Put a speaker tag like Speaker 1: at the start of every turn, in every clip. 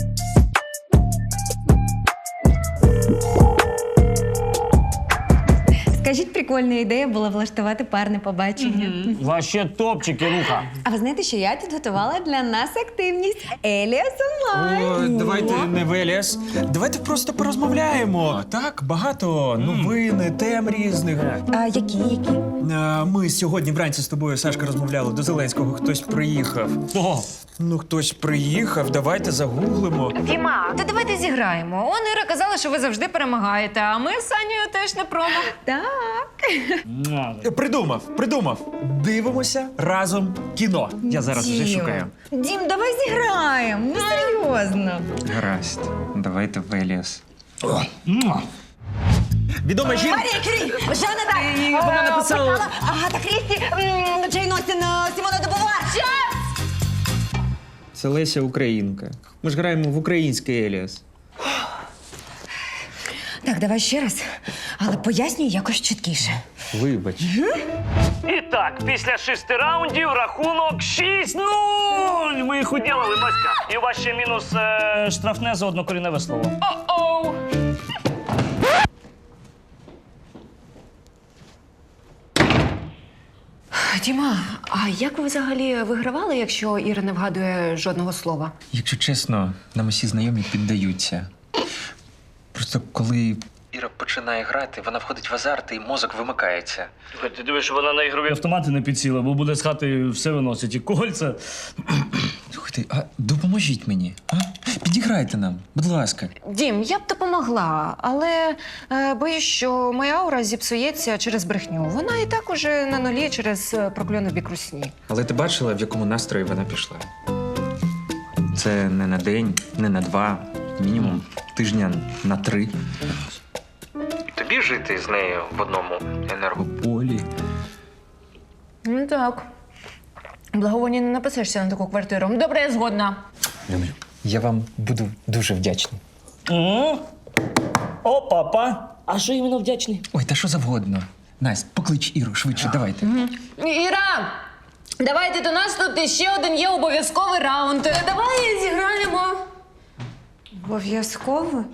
Speaker 1: Скажіть, прикольна ідея була влаштувати парне побачення.
Speaker 2: Вообще топчик, Ілюха.
Speaker 1: А ви знаєте, що я тут готувала для нас активність Еліас онлайн.
Speaker 3: О, давайте не в Еліас. Давайте просто порозмовляємо. Так, багато новин, тем різних.
Speaker 1: А які?
Speaker 3: Ми сьогодні вранці з тобою, Сашка, розмовляли до Зеленського. Хтось приїхав.
Speaker 2: О,
Speaker 3: Ну, хтось приїхав, давайте загуглимо.
Speaker 4: Діма, то давайте зіграємо. Он Іра казала, що ви завжди перемагаєте, а ми з Санєю теж не промо.
Speaker 1: Так.
Speaker 3: Придумав. Дивимося разом кіно. Я зараз вже шукаю.
Speaker 1: Дім, давай зіграємо. Ну, серйозно.
Speaker 3: Гаразд. Давайте в Еліас. Відома жінка.
Speaker 1: Марія Кюрі, Жанна Дарк,
Speaker 3: вона написала-
Speaker 1: Агата Крісті, Джейн Остін, Сімона де Бувар.
Speaker 3: Це Леся Українка. Ми ж граємо в український Еліас.
Speaker 1: Так, давай ще раз, але пояснюй якось чіткіше.
Speaker 3: Вибач.
Speaker 2: І так, після 6 раундів рахунок 6-0. Ми їх уділили, Маська. І у вас ще мінус штрафне за однокоріневе слово.
Speaker 4: О-оу! Діма, а як ви взагалі вигравали, якщо Іра не вгадує жодного слова?
Speaker 3: Якщо чесно, нам усі знайомі піддаються. Просто коли Іра починає грати, вона входить в азарт і мозок вимикається.
Speaker 2: Ти дивиш, що вона на ігрові автомати не підсіла, бо буде з хати все виносить. І кольця.
Speaker 3: Слухайте, а допоможіть мені, а? Підіграйте нам, будь ласка.
Speaker 4: Дім, я б допомогла, але боюсь, що моя аура зіпсується через брехню. Вона і так уже на нулі через прокльони в бік русні.
Speaker 3: Але ти бачила, в якому настрої вона пішла? Це не на день, не на 2, мінімум тижня на 3. Тобі жити з нею в одному енергополі.
Speaker 4: Ну так. Благовоні не написишся на таку квартиру. Добре, я згодна.
Speaker 3: Люблю. Я вам буду дуже вдячний.
Speaker 2: О, папа. А що іменно вдячний?
Speaker 3: Ой, та що завгодно. Настя, поклич Іру, швидше, давайте.
Speaker 4: Іра, давайте до нас тут ще один є обов'язковий раунд. Давай зіграємо.
Speaker 1: Обов'язково?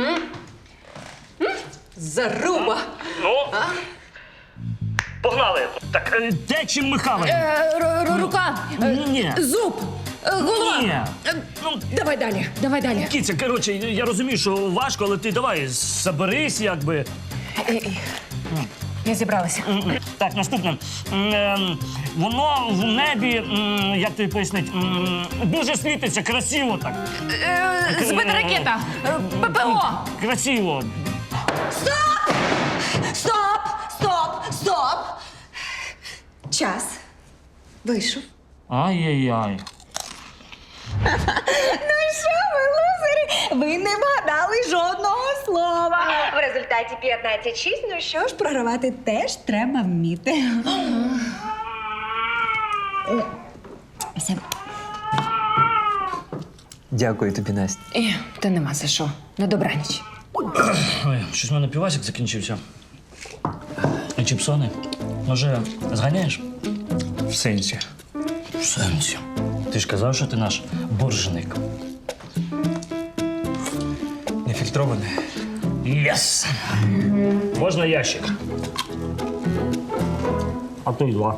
Speaker 4: Заруба.
Speaker 2: Ну? Погнали. Так, де чим михали?
Speaker 4: Рука.
Speaker 2: Ні.
Speaker 4: Зуб. Голова.
Speaker 2: Ні. Ну,
Speaker 4: Давай далі.
Speaker 2: Кіця, коротше, я розумію, що важко, але ти давай, соберись, якби.
Speaker 4: Я зібралася.
Speaker 2: Так, наступне. Воно в небі, як тобі пояснить, дуже світиться, красиво так.
Speaker 4: Збита ракета. ППО.
Speaker 2: Красиво.
Speaker 1: Стоп! Час вийшов.
Speaker 2: Ай-яй-яй.
Speaker 1: Ну що ви, лузери? Ви не вгадали жодного слова. В результаті 15-6, ну що ж, програвати теж треба вміти. Все.
Speaker 3: Дякую тобі, Настя.
Speaker 4: Та нема за що. На добраніч.
Speaker 2: Ой, щось в мене півасик закінчився. А чіпсони? Може, зганяєш?
Speaker 3: В сенсі.
Speaker 2: В сенсі. Ти ж казав, що ти наш боржник.
Speaker 3: Нефільтроване.
Speaker 2: Єс! Можна ящик? А то й 2.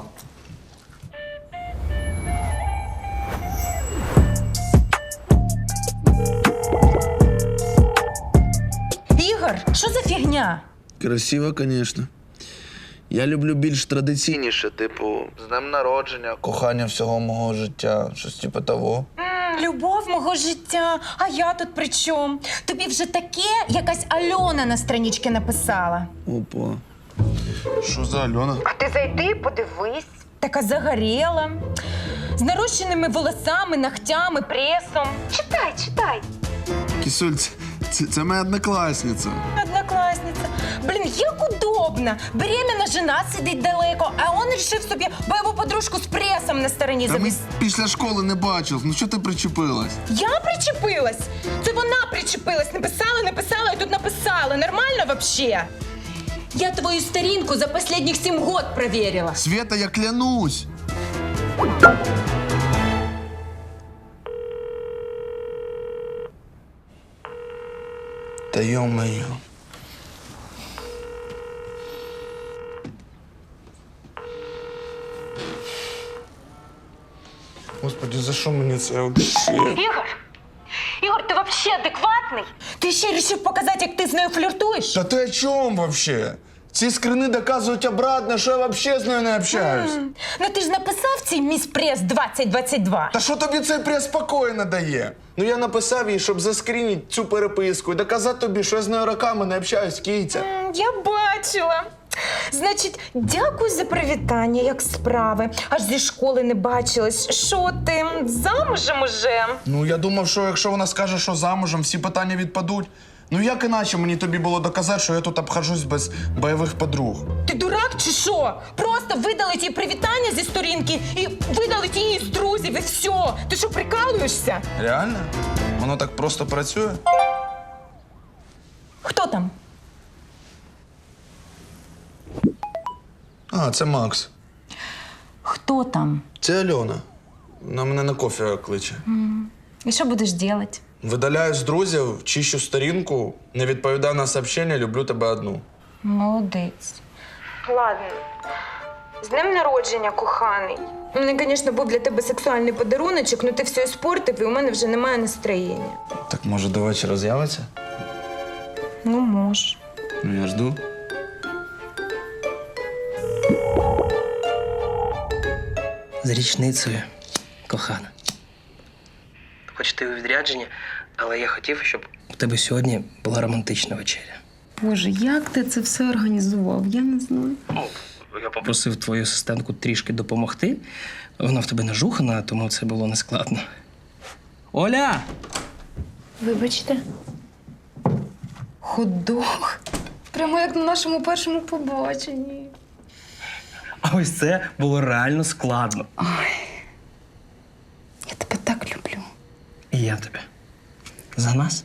Speaker 5: Ігор, що за фігня?
Speaker 6: Красиво, звісно. Я люблю більш традиційніше, типу, з днем народження, кохання всього мого життя, щось типу того.
Speaker 5: Любов мого життя, а я тут при чому? Тобі вже таке якась Альона на страничці написала.
Speaker 6: Опа. Що за Альона?
Speaker 5: А ти зайди, подивись. Така загоріла, з нарощеними волосами, ногтями, пресом. Читай.
Speaker 6: Кисуль, це моя однокласниця.
Speaker 5: Однокласниця. Блін, як удобно. Беременна жена сидить далеко, а он рішив собі бойову подружку з пресом на стороні
Speaker 6: Та ми
Speaker 5: завести.
Speaker 6: після школи не бачили. Ну що ти причепилась?
Speaker 5: Я причепилась? Це вона причепилась. Написала і тут написала. Нормально вообще? Я твою сторінку за последних 7 год проверила.
Speaker 6: Света, я клянусь. Та йо-моє. Господи, за що мені це взагалі?
Speaker 5: Ігор, ти взагалі адекватний? Ти ще вирішив показати, як ти з нею фліртуєш?
Speaker 6: Та ти о чому вообще? Ці скрини доказують обратно, що я взагалі з нею не общаюсь.
Speaker 5: Ну ти ж написав цей міс прес 2022.
Speaker 6: Та що тобі цей прес спокійно дає? Ну я написав їй, щоб заскрінити цю переписку і доказати тобі, що я з нею роками не общаюсь, кійця.
Speaker 5: Я бачила. Значить, дякую за привітання, як справи. Аж зі школи не бачилась. Що ти, замужем уже?
Speaker 6: Ну я думав, що якщо вона скаже, що замужем, всі питання відпадуть. Ну як іначе мені тобі було доказати, що я тут обхожусь без бойових подруг?
Speaker 5: Ти дурак чи що? Просто видалить їй привітання зі сторінки і видалить її з друзів, і все. Ти що, прикалуєшся?
Speaker 6: Реально? Воно так просто працює?
Speaker 5: Хто там?
Speaker 6: А, це Макс.
Speaker 5: Хто там?
Speaker 6: Це Альона. Вона мене на кофе кличе.
Speaker 5: І що будеш робити?
Speaker 6: Видаляю з друзів, чищу сторінку, не відповідаю на сообщення, люблю тебе одну.
Speaker 5: Молодець. Ладно. З днем народження, коханий. У мене, звісно, був для тебе сексуальний подаруночок, але ти все іспортив, і у мене вже немає настроєння.
Speaker 6: Так може до вечора з'явиться?
Speaker 5: Ну, може.
Speaker 6: Ну я жду.
Speaker 7: З річницею, кохана. Хоч ти у відрядженні, але я хотів, щоб у тебе сьогодні була романтична вечеря.
Speaker 8: Боже, як ти це все організував? Я не знаю.
Speaker 7: Ну, я попросив твою асистентку трішки допомогти. Вона в тебе нажухана, тому це було нескладно. Оля!
Speaker 8: Вибачте. Хот-дог. Прямо як на нашому першому побаченні.
Speaker 7: А ось це було реально складно.
Speaker 8: Я тебе так люблю.
Speaker 7: І я тебе. За нас?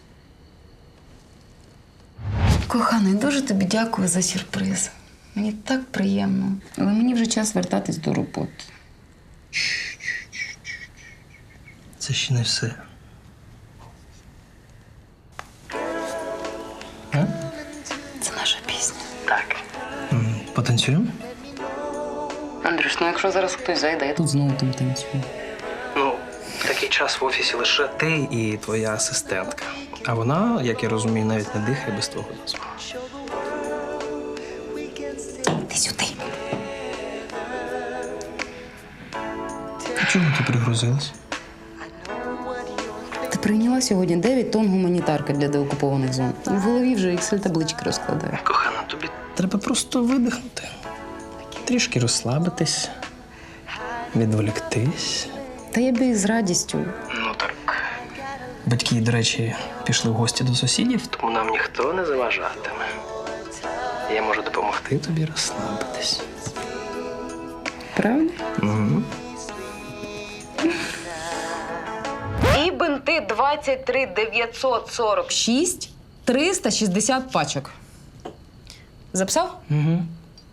Speaker 8: Коханий, дуже тобі дякую за сюрприз. Мені так приємно. Але мені вже час вертатись до роботи.
Speaker 7: Це ще не все. А?
Speaker 8: Це наша пісня.
Speaker 7: Так. Потанцюємо?
Speaker 8: Андрюш, ну якщо зараз хтось зайде, я тут знову там танцюю.
Speaker 7: Ну, в такий час в офісі лише ти і твоя асистентка. А вона, як я розумію, навіть не дихає без твого дозволу.
Speaker 8: Ти сюди.
Speaker 7: А чому ти пригрузилась?
Speaker 8: Ти прийняла сьогодні 9 тонн гуманітарки для деокупованих зон. В голові вже Excel-таблички розкладаю.
Speaker 7: Кохана, тобі треба просто видихнути. Трішки розслабитись, відволіктись.
Speaker 8: Та я би з радістю.
Speaker 7: Ну так. Батьки, до речі, пішли в гості до сусідів, тому нам ніхто не заважатиме. Я можу допомогти тобі розслабитись.
Speaker 8: Правда?
Speaker 7: Угу.
Speaker 4: І бинти 23 946, 360 пачок. Записав?
Speaker 7: Угу.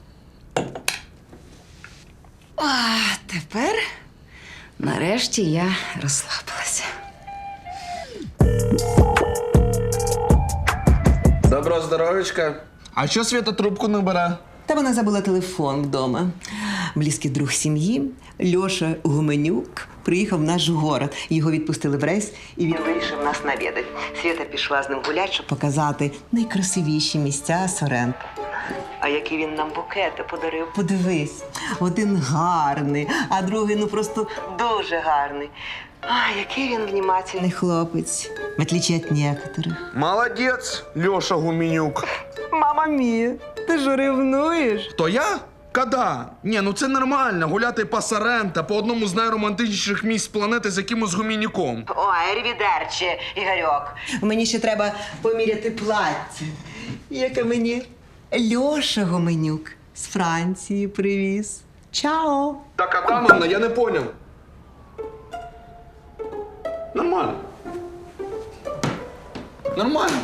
Speaker 8: А тепер, нарешті, я розслабилася.
Speaker 6: Доброго здоров'ячка. А що Свята трубку не бере?
Speaker 9: Та вона забула телефон вдома. Близький друг сім'ї Льоша Гуменюк приїхав в наш город. Його відпустили в рейс, і він вирішив нас навідати. Свята пішла з ним гуляти, щоб показати найкрасивіші місця Сорента. А які він нам букети подарив. Подивись, один гарний, а другий ну просто дуже гарний. А, який він внімательний хлопець, в отличие від некоторих.
Speaker 6: Молодець, Льоша Гуменюк.
Speaker 9: Мама мія, ти ж ревнуєш?
Speaker 6: Хто я? Когда? Ні, ну це нормально, гуляти по Соренто, по одному з найромантичніших місць планети з якимось гумінюком.
Speaker 9: Ой, ревідерче, Ігорьок. Мені ще треба поміряти плаття, яке мені Льоша Гуменюк з Франції привіз. Чао!
Speaker 6: Так, Адамовна, я не поняв. Нормально. Нормально.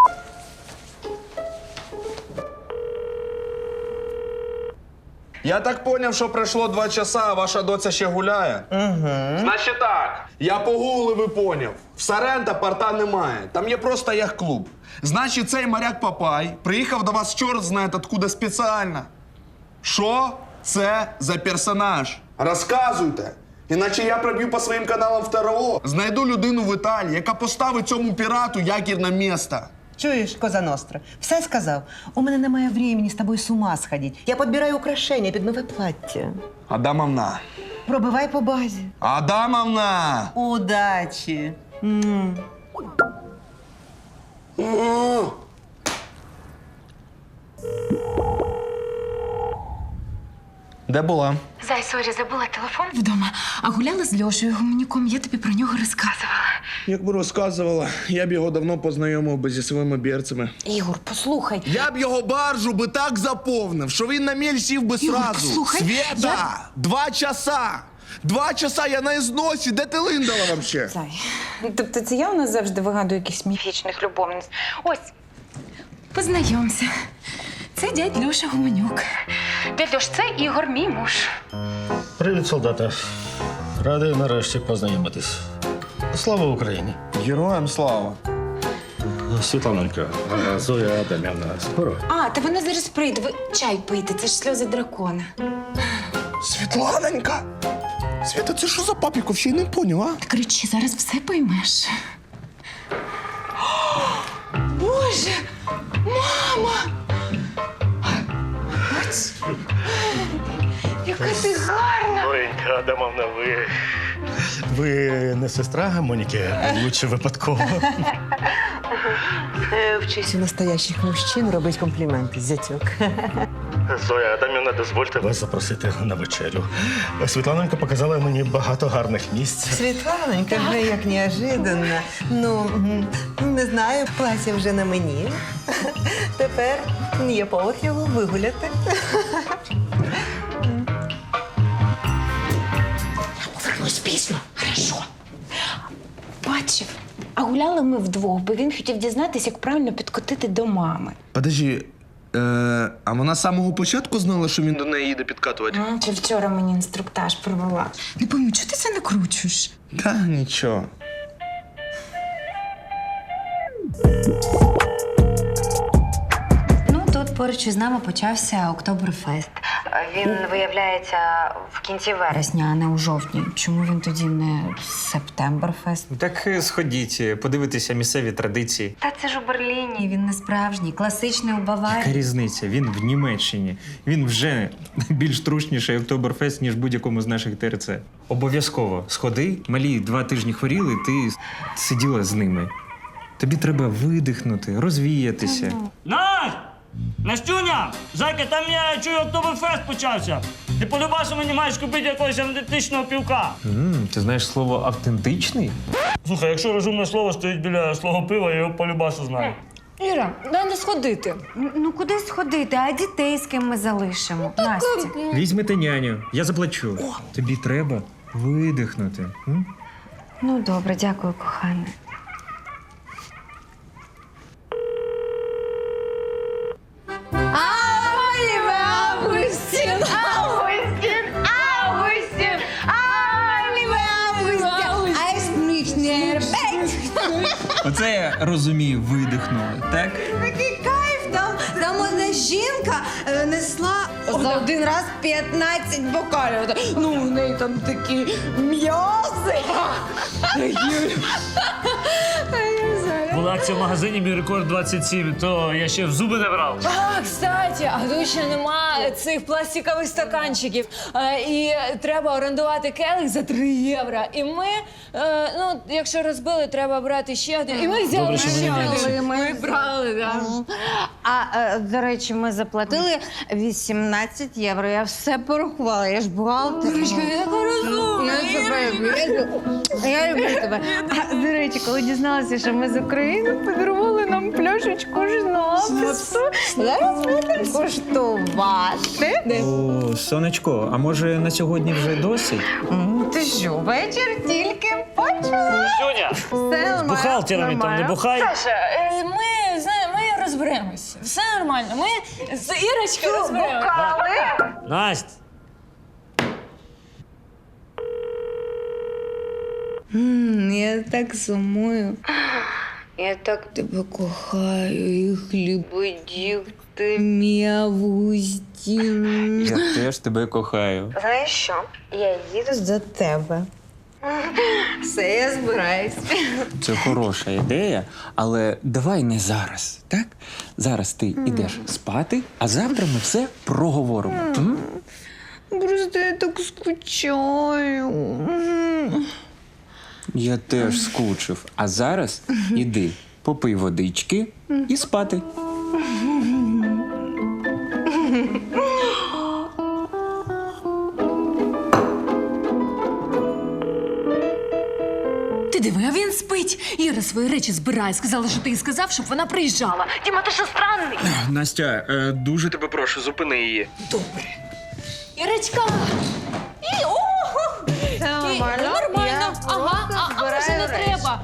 Speaker 6: Я так поняв, що пройшло 2 часа, а ваша доця ще гуляє. Угу. Значить так, я погуглив і поняв. В Соренто порта немає. Там є просто яхт-клуб. Значить, цей моряк Папай приїхав до вас чорт знає откуда спеціально. Що це за персонаж? Розказуйте. Іначе я проб'ю по своїм каналам в ТРО. Знайду людину в Італії, яка поставить цьому пірату якірне місто.
Speaker 9: Чуєш, Коза Ностра, все сказав. У мене немає времени з тобою з ума сходити. Я підбираю украшення під нове плаття.
Speaker 6: Адамовна.
Speaker 9: Пробивай по базі.
Speaker 6: Адамовна!
Speaker 9: Удачі.
Speaker 6: Де була?
Speaker 5: Зай, сорі, забула телефон.
Speaker 8: Вдома. А гуляла з Льошею Гуменюком, я тобі про нього розказувала.
Speaker 6: Якби розказувала, я б його давно познайомив би зі своїми бірцями.
Speaker 8: Ігор, послухай.
Speaker 6: Я б його баржу би так заповнив, що він на міль сів би
Speaker 8: Ігор,
Speaker 6: сразу.
Speaker 8: послухай,
Speaker 6: Света! 2 часа! 2 часа я на ізносі. Де ти линдала вообще?
Speaker 5: Зай. Тобто це я у нас завжди вигадую якихось міфічних любовниць. Ось.
Speaker 8: Познайомся. Це дядь Льоша Гуменюк.
Speaker 5: Дядь Льош, це Ігор, мій муж.
Speaker 10: Привіт, солдата. Радий нарешті познайомитись. Слава Україні.
Speaker 6: Героям слава.
Speaker 10: Світланонька, Зоя Адамівна, скоро.
Speaker 5: А, та вона зараз прийде. Ви чай пийте, це ж сльози дракона.
Speaker 6: Світланонька! Свята, це що за папіку? Ще й не поняв, а?
Speaker 8: Кричи, зараз все поймеш.
Speaker 5: Боже! Мама! Ось. Яка ти гарна!
Speaker 10: Зоєнька Адамовна, ви не сестра Моніки? Лучше випадково.
Speaker 9: Вчись у настоящих мужчин робить компліменти, зятьок.
Speaker 10: Зоя Адамівна, дозвольте вас запросити на вечерю. Світланонька показала мені багато гарних місць.
Speaker 9: Світланонька, вже як неожиданно. Ну, не знаю, плаття вже на мені. Тепер є повод його вигуляти.
Speaker 8: Повернусь пізно, хорошо.
Speaker 5: Бачив. А гуляли ми вдвох, бо він хотів дізнатися, як правильно підкотити до мами.
Speaker 6: Подожди, а вона з самого початку знала, що він до неї їде підкатувати?
Speaker 5: Чи вчора мені інструктаж провела?
Speaker 8: Не пойму, чого ти це накручуєш?
Speaker 6: Та нічого.
Speaker 11: Ну, тут поруч із нами почався Октоберфест. Він виявляється в кінці вересня, а не у жовтні. Чому він тоді не Септемберфест?
Speaker 3: Так сходіть, подивитися місцеві традиції.
Speaker 11: Та це ж у Берліні, він не справжній, класичний у Баварії.
Speaker 3: Яка різниця? Він в Німеччині. Він вже більш трушніший Октоберфест, ніж будь-якому з наших ТРЦ. Обов'язково сходи. Малі 2 тижні хворіли, ти сиділа з ними. Тобі треба видихнути, розвіятися.
Speaker 2: Настя! Настюня! Зайка, там я чую, Октоберфест почався. Ти полюбасу мені маєш купити якогось автентичного півка.
Speaker 3: Ти знаєш слово «автентичний»?
Speaker 2: Слухай, якщо розумне слово стоїть біля свого пива, я його полюбасу знаю.
Speaker 4: Іра, дай не сходити.
Speaker 11: Ну куди сходити, а дітей з ким ми залишимо? Настя.
Speaker 3: Візьмете няню, я заплачу. Тобі треба видихнути.
Speaker 11: Ну добре, дякую, кохане.
Speaker 3: Оце я розумію, видихнули, так?
Speaker 1: Такий кайф, там одна жінка несла за один раз 15 бокалів. Ну, у неї там такі м'язи.
Speaker 2: Була акція в магазині, мій рекорд 27, то я ще в зуби не брав.
Speaker 4: А, кстати, а тут ще нема цих пластикових стаканчиків. І треба орендувати келих за 3 євро. І ми, ну, якщо розбили, треба брати ще один. І ми взяли
Speaker 2: Добре, що
Speaker 4: ще
Speaker 2: вони
Speaker 4: один. Ми брали, так.
Speaker 1: А, до речі, ми заплатили 18 євро. Я все порахувала, я ж бухгалтер.
Speaker 4: Дурочка, я така розумна.
Speaker 1: Я люблю тебе. А, до речі, коли дізналася, що ми з України, подарували нам пляшечку шнапсу. Зараз будемо куштувати.
Speaker 3: О, сонечко, а може на сьогодні вже досить?
Speaker 1: Ти що, вечір тільки почала?
Speaker 2: Настюня,
Speaker 1: Все
Speaker 2: з бухгалтерами там не бухай.
Speaker 4: Саша, ми, знаємо, ми розберемося. Все нормально. Ми з Ірочкою розберемося.
Speaker 2: Настя.
Speaker 8: Я так сумую. Я так тебе кохаю, і хлібодів ти м'явусті.
Speaker 3: Я теж тебе кохаю.
Speaker 8: Знаєш що? Я їду до тебе. Все, я збираюсь.
Speaker 3: Це хороша ідея, але давай не зараз, так? Зараз ти йдеш спати, а завтра ми все проговоримо. М?
Speaker 8: Просто я так скучаю.
Speaker 3: Я теж скучив. А зараз іди, попий водички і спати.
Speaker 4: Ти диви, а він спить. Іра свої речі збирає. Сказала, що ти їй сказав, щоб вона приїжджала. Діма, ти що странний?
Speaker 3: Настя, дуже тебе прошу, зупини її.
Speaker 4: Добре. Ірочка! І, ого!
Speaker 1: нормально.
Speaker 4: Нормально.
Speaker 1: Я
Speaker 4: Ага,
Speaker 1: просто
Speaker 4: а може
Speaker 1: збираю
Speaker 4: не
Speaker 1: речі.
Speaker 4: треба.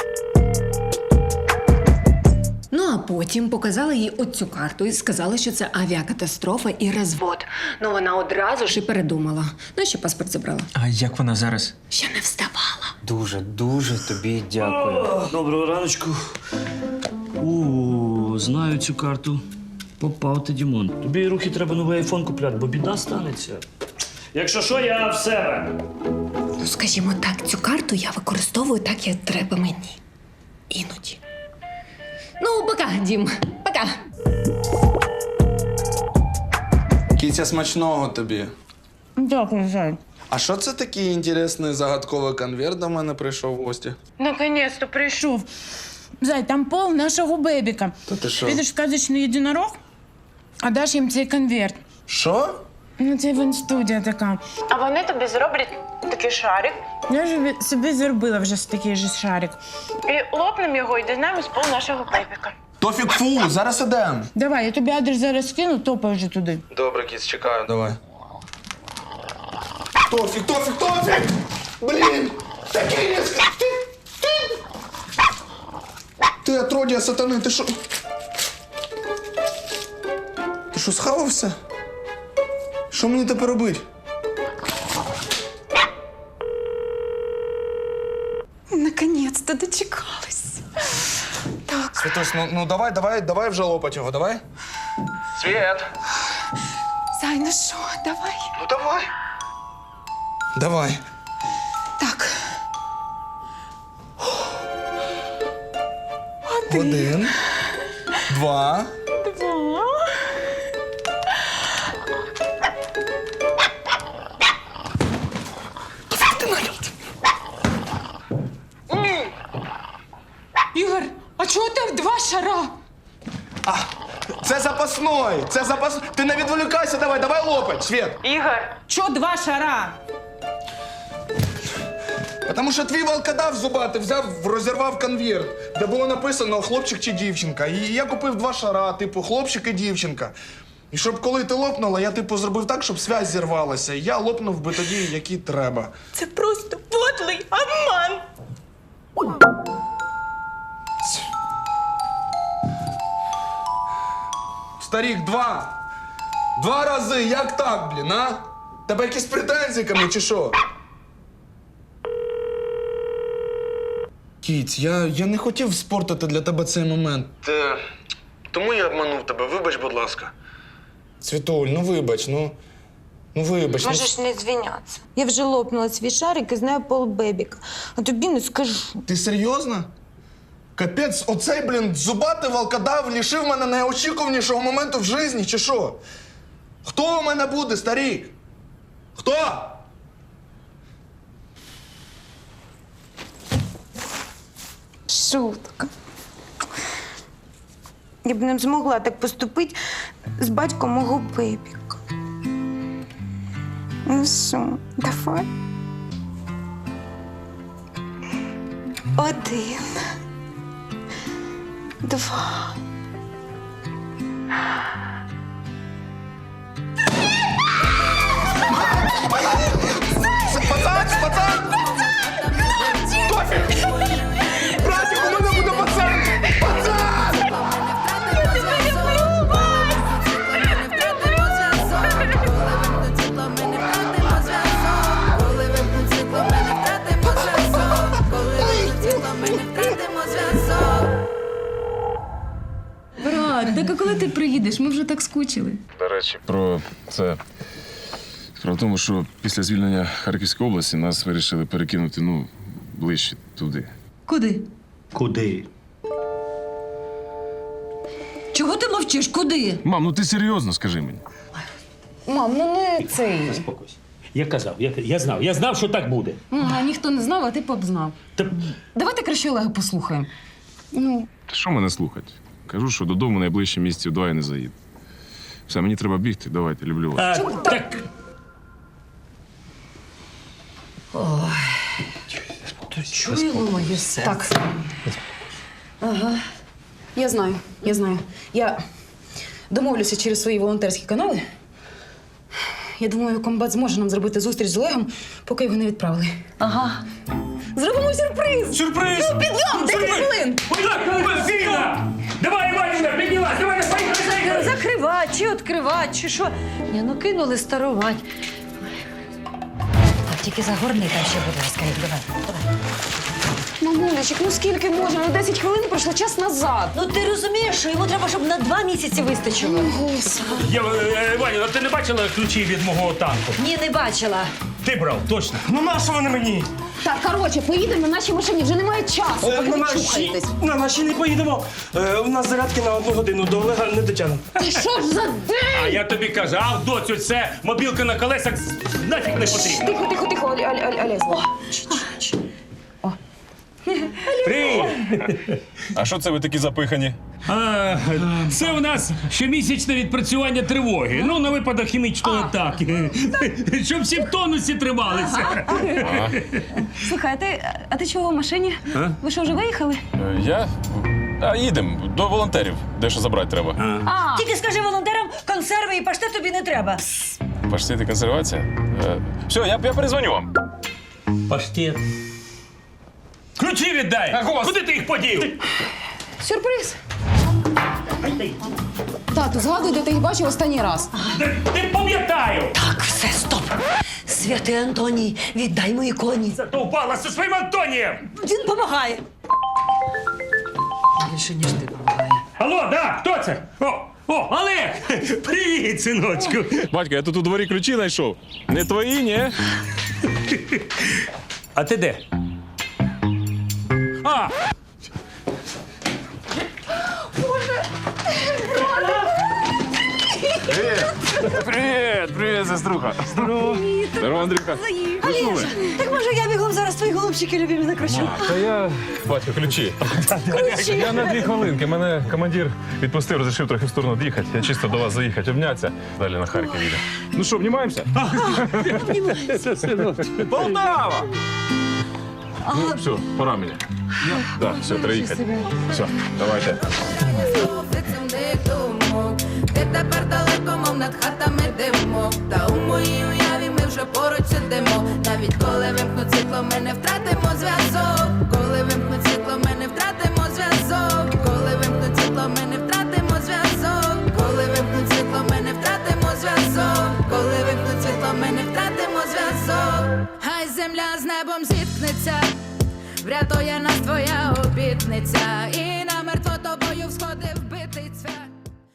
Speaker 4: Ну, а потім показали їй оцю карту і сказали, що це авіакатастрофа і розвод. Ну, вона одразу ж і передумала. Ну, ще паспорт забрала.
Speaker 3: А як вона зараз?
Speaker 4: Ще не вставала.
Speaker 3: Дуже тобі дякую.
Speaker 2: Доброго раночку. Знаю цю карту. Попав ти, Дімон. Тобі руки треба новий айфон купляти, бо біда станеться. Якщо що, я в себе.
Speaker 4: Ну, скажімо так, цю карту я використовую так, як треба мені. Іноді. Ну, пока, Дім. Пока.
Speaker 6: Кітя, смачного тобі.
Speaker 1: Дякую, Зай.
Speaker 6: А що це такий інтересний загадковий конверт до мене прийшов в гості?
Speaker 12: Наконец-то прийшов. Зай, там пол нашого бебіка.
Speaker 6: Та ти що?
Speaker 12: Підеш в сказочний єдинорог, а даш їм цей конверт.
Speaker 6: Що?
Speaker 12: Ну, це івент-студія така.
Speaker 5: А вони тобі зроблять такий шарик.
Speaker 12: Я ж собі зробила вже такий же шарик.
Speaker 5: І лопнемо його і дізнаємось пол нашого бебіка.
Speaker 6: Тофік, фу, зараз ідем.
Speaker 12: Давай, я тобі адрес зараз скину, топай вже туди.
Speaker 6: Добре, кіць, чекаю, давай. Тофік! Блін! Такий різкий! Ти отродя сатани, ти що? Ти що, схавався? Що мені тепер робити?
Speaker 5: Наконець-то дочекалась. Так.
Speaker 6: Святош, ну давай вже лопать його, давай. Світ!
Speaker 5: Зай, ну що, давай.
Speaker 6: Ну давай. Давай.
Speaker 5: Так.
Speaker 6: Один. Два.
Speaker 12: Ігор, а чого там два шара?
Speaker 6: Це запасной. Ти не відволікайся, давай лопать, Світ.
Speaker 5: Ігор.
Speaker 12: Чого два шара?
Speaker 6: Тому що твій волкодав зубатий взяв, розірвав конверт, де було написано хлопчик чи дівчинка. І я купив два шара, типу хлопчик і дівчинка. І щоб коли ти лопнула, я типу зробив так, щоб зв'язь зірвалася. І я лопнув би тоді, який треба.
Speaker 5: Це просто подлий обман.
Speaker 6: Старік, два рази, як так, блін, а? Тебе якісь претензії ко мені, чи що? Кіць, я не хотів спортити для тебе цей момент. Тому я обманув тебе, вибач, будь ласка. Світуль, ну вибач.
Speaker 5: Можеш не звінятися. Я вже лопнула свій шарик і знаю пол бебіка. А тобі не скажу.
Speaker 6: Ти серйозно? Капець, оцей, блін, зубатий волкодав лишив мене найочікуванішого моменту в житті, чи що? Хто у мене буде, старік? Хто?
Speaker 5: Шутка. Я б не змогла так поступити з батьком мого бебіка. Ну що, давай. Один. Два.
Speaker 6: Пацан! Тофік! Братик, у мене буде пацан! Пацан!
Speaker 8: Так а коли ти приїдеш? Ми вже так скучили.
Speaker 13: До речі, про це. Справа в тому, що після звільнення Харківської області нас вирішили перекинути, ближче туди.
Speaker 8: Куди?
Speaker 10: Куди?
Speaker 8: Чого ти мовчиш? Куди?
Speaker 13: Мам, ти серйозно скажи мені.
Speaker 8: Мам, ну не цей.
Speaker 10: Заспокойся. Я казав, я знав, що так буде.
Speaker 8: А ніхто не знав, а ти б знав. Давайте краще Олега послухаємо.
Speaker 13: Та що мене слухати? Кажу, що додому найближчі місяців 2 я не заїду. Все, мені треба бігти, давайте, люблю вас.
Speaker 10: Так.
Speaker 9: Чуємо моє серце.
Speaker 8: Так. Ага. Я знаю. Я домовлюся через свої волонтерські канали. Я думаю, комбат зможе нам зробити зустріч з Олегом, поки його не відправили. Ага. Зробимо сюрприз!
Speaker 2: Сюрприз!
Speaker 8: Ну, підйом! 10 хвилин!
Speaker 2: Давай, Іванівна, піднялась! Давай, поїхали!
Speaker 1: Закривати, чи відкривати, чи що. Ні, ну кинули стару мать.
Speaker 11: Тільки загорни там ще, будь ласка, давай.
Speaker 8: Мамулечик, ну скільки можна? 10 хвилин пройшло час назад.
Speaker 1: Ну ти розумієш, що йому треба, щоб на 2 місяці вистачило.
Speaker 8: Господи.
Speaker 2: Іванівна, ти не бачила ключі від мого танку?
Speaker 1: Ні, не бачила.
Speaker 2: Ти брав, точно. Ну нащо вони мені?
Speaker 8: Так, коротше, поїдемо на нашій машині, вже немає часу, поки ви чухаєтесь.
Speaker 7: На наші не поїдемо. У нас зарядки на 1 годину, до Олега не дотягнемо.
Speaker 8: Та що ж за день?
Speaker 2: А я тобі казав, доцю, це мобілка на колесах нафіг не потрібна.
Speaker 8: Тихо, Олесь.
Speaker 2: Привіт!
Speaker 13: А що це ви такі запихані?
Speaker 2: Це у нас щомісячне відпрацювання тривоги. Ну, на випадок хімічної атаки. Щоб всі в тонусі трималися.
Speaker 8: Слухай, а ти чого в машині? Ви що, вже виїхали?
Speaker 13: Я? Їдемо до волонтерів. Дещо забрати треба.
Speaker 1: Тільки скажи волонтерам, консерви і паштет тобі не треба.
Speaker 13: Паштет і консервація? Все, я перезвоню вам.
Speaker 2: Паштет. Ключі віддай! Куди ти їх подів?
Speaker 8: Сюрприз. Тату, згадуй, де ти їх бачив останній раз.
Speaker 2: Ти пам'ятаю!
Speaker 1: Так, все, стоп. Святий Антоній, віддай мої коні.
Speaker 2: Зато впала зі своїм Антонієм!
Speaker 1: Він допомагає. Більше, ніж ти допомагає.
Speaker 2: Алло, да, хто це? О, Олег! Привіт, синочку!
Speaker 13: Батько, я тут у дворі ключі знайшов. Не твої, ні?
Speaker 2: А ти де?
Speaker 13: Привіт, сеструха. Здорово, Андрюха.
Speaker 1: Олеж, так може я бігом зараз твої голубчики любимі накручу?
Speaker 13: Та я, батько, ключі. Я на 2 хвилинки. Мене командир відпустив, розрішив трохи в сторону доїхати. Я чисто до вас заїхати, обнятися. Далі на Харків їде. Ну що, обнімаємося? Полтава! Ну, все, пора мені. Так, все, треба їхати. Все, давайте.
Speaker 14: Ти тепер далеко, мов над хатами димок. Та у моїй уяві ми вже поруч сидимо. Навіть коли вимкнуть світло, ми не втратимо зв'язок. Коли вимкнуть світло, ми не втратимо зв'язок. Коли вимкнуть світло, ми не втратимо зв'язок. Коли вимкнуть світло, ми не втратимо зв'язок. Коли вимкнуть світло, ми не втратимо зв'язок. Хай земля з небом зіткнеться, врятує нас твоя обітниця. І